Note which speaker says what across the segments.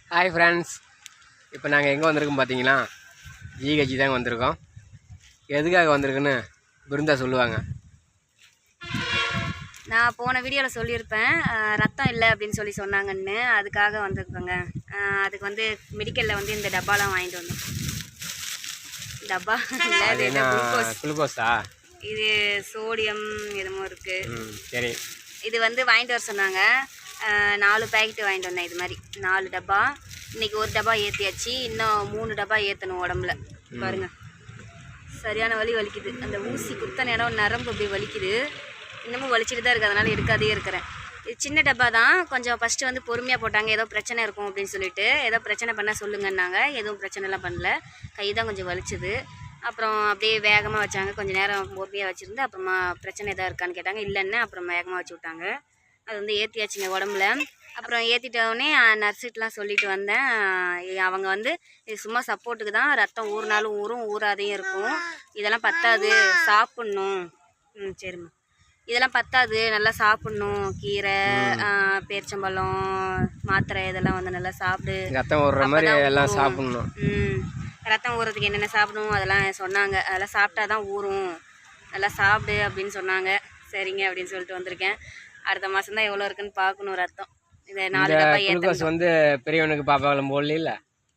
Speaker 1: Hi friends, இப்போ நாங்கள் எங்கே வந்திருக்கோம் பார்த்தீங்கன்னா ஜிஹெச் தாங்க வந்திருக்கோம். எதுக்காக வந்திருக்குன்னு பிருந்தா சொல்லுவாங்க.
Speaker 2: நான் போன வீடியோவில் சொல்லியிருப்பேன் ரத்தம் இல்லை அப்படின்னு சொன்னாங்கன்னு. அதுக்காக வந்திருக்கோங்க. அதுக்கு வந்து மெடிக்கலில் வந்து இந்த டப்பாலாம் வாங்கிட்டு வந்தோம். டப்பா இல்லை,
Speaker 1: குளுக்கோஸா?
Speaker 2: இது சோடியம் எதுமோ இருக்குது.
Speaker 1: சரி, இது
Speaker 2: வந்து வாங்கிட்டு வர சொன்னாங்க. 4 பேக்கெட்டு வாங்கிட்டு வந்தேன். இது மாதிரி 4 டப்பா. இன்றைக்கி ஒரு டப்பா ஏற்றியாச்சு, இன்னும் 3 டப்பா ஏற்றணும் உடம்புல. பாருங்கள், சரியான வலிக்குது. அந்த ஊசி குத்தன இடம் நரம்பு அப்படி வலிக்குது. இன்னமும் வலிச்சுட்டு தான் இருக்குது, அதனால் எடுக்காதே இருக்கிறேன். இது சின்ன டப்பா தான். கொஞ்சம் ஃபஸ்ட்டு வந்து பொறுமையாக போட்டாங்க. ஏதோ பிரச்சனை இருக்கும் அப்படின்னு சொல்லிட்டு, ஏதோ பிரச்சனை பண்ணால் சொல்லுங்கன்னாங்க. எதுவும் பிரச்சனைலாம் பண்ணல, கை தான் கொஞ்சம் வலிச்சுது. அப்புறம் அப்படியே வேகமாக வச்சாங்க. கொஞ்சம் நேரம் பொறுமையாக வச்சுருந்து அப்புறமா பிரச்சனை எதாவது இருக்கான்னு கேட்டாங்க. இல்லைன்னு அப்புறம் வேகமாக வச்சு விட்டாங்க. அது வந்து ஏற்றியாச்சுங்க உடம்புல. அப்புறம் ஏற்றிட்டோடனே நர்ஸுட்டெலாம் சொல்லிட்டு வந்தேன். அவங்க வந்து இது சும்மா சப்போர்ட்டுக்கு தான், ரத்தம் ஊறினாலும் ஊறும், ஊறாதையும் இருக்கும், இதெல்லாம் பத்தாது, சாப்பிட்ணும். சரிம்மா, இதெல்லாம் பத்தாது, நல்லா சாப்பிட்ணும். கீரை, பேரிச்சம்பழம், மாத்திரை இதெல்லாம் வந்து நல்லா சாப்பிடு,
Speaker 1: ரத்தம் ஊறுற மாதிரி எல்லாம் சாப்பிட்ணும்.
Speaker 2: ரத்தம் ஊறுறதுக்கு என்னென்ன சாப்பிடணும் அதெல்லாம் சொன்னாங்க. அதெல்லாம் சாப்பிட்டா தான் ஊறும், நல்லா சாப்பிடு அப்படின்னு சொன்னாங்க. சரிங்க அப்படின்னு சொல்லிட்டு வந்திருக்கேன். அடுத்த மாதம் தான் எவ்வளோ இருக்குன்னு பார்க்கணும் ரத்தம். இந்த 4 டப்பா
Speaker 1: குளுக்கோஸ் வந்து பெரியவனுக்கு பாப்பாவெல்லாம் போடல.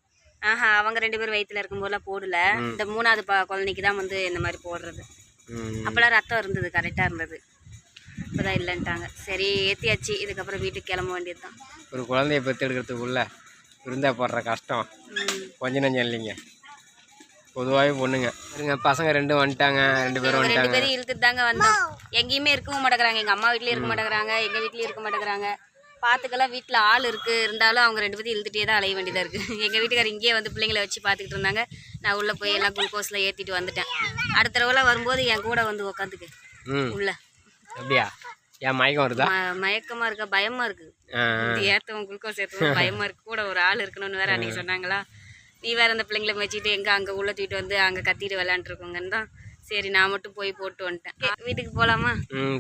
Speaker 2: அவங்க 2 பேரும் வயிற்றுல இருக்கும்போதெல்லாம் போடல. இந்த 3வது குழந்தைக்கு தான் வந்து இந்த மாதிரி போடுறது. அப்போல்லாம் ரத்தம் இருந்தது, கரெக்டாக இருந்தது. இப்போதான் இல்லைன்ட்டாங்க. சரி, ஏற்றியாச்சு. இதுக்கப்புறம் வீட்டுக்கு கிளம்ப வேண்டியது தான்.
Speaker 1: ஒரு குழந்தைய பெற்றெடுக்கிறதுக்குள்ள இருந்தா போடுற கஷ்டம் கொஞ்சம் நஞ்சம் இல்லைங்க. பொதுவாகவே பொண்ணுங்க இருங்க, பசங்க 2 வந்துட்டாங்க. 2 பேரும்
Speaker 2: 2 பேரும் இழுத்துட்டு தாங்க வந்தோம். எங்கேயுமே இருக்கவும் மாட்டேங்கிறாங்க. எங்கள் அம்மா வீட்லேயும் இருக்க மாட்டேங்கிறாங்க, எங்கள் வீட்லேயும் இருக்க மாட்டேங்கிறாங்க. பார்த்துக்கெல்லாம் வீட்டில் ஆள் இருக்குது, இருந்தாலும் அவங்க 2 பேரும் இழுத்துட்டே தான் அலைய வேண்டியதாக இருக்குது. எங்கள் வீட்டுக்காரர் இங்கேயே வந்து பிள்ளைங்களை வச்சு பார்த்துக்கிட்டு இருந்தாங்க. நான் உள்ளே போய் எல்லாம் குளுக்கோஸில் ஏற்றிட்டு வந்துட்டேன். அடுத்த தடவை வரும்போது என் கூட வந்து உக்காந்துக்கு உள்ள.
Speaker 1: அப்படியா? ஏன் மயக்கம் வருதா?
Speaker 2: மயக்கமாக இருக்கா, பயமாக இருக்குது. ஏற்றவும் குளுக்கோஸ் ஏற்றவும் பயமாக இருக்குது. கூட ஒரு ஆள் இருக்கணும்னு வேறு அன்றைக்கி சொன்னாங்களா. நீ வேறு அந்த பிள்ளைங்களை வச்சுட்டு எங்கே அங்கே உள்ளே தூக்கிட்டு வந்து அங்கே கத்திட்டு விளையாண்டுருக்கோங்கன்னு தான் சரி நான் மட்டும் போய் போட்டு வந்துட்டேன். வீட்டுக்கு போகலாமா?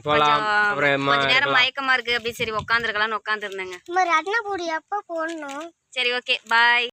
Speaker 2: கொஞ்ச நேரம் மயக்கமாக இருக்குது அப்படி. சரி உட்காந்துருக்கலாம்னு உட்காந்துருந்தேங்க.
Speaker 3: சரி, ஓகே, பாய்.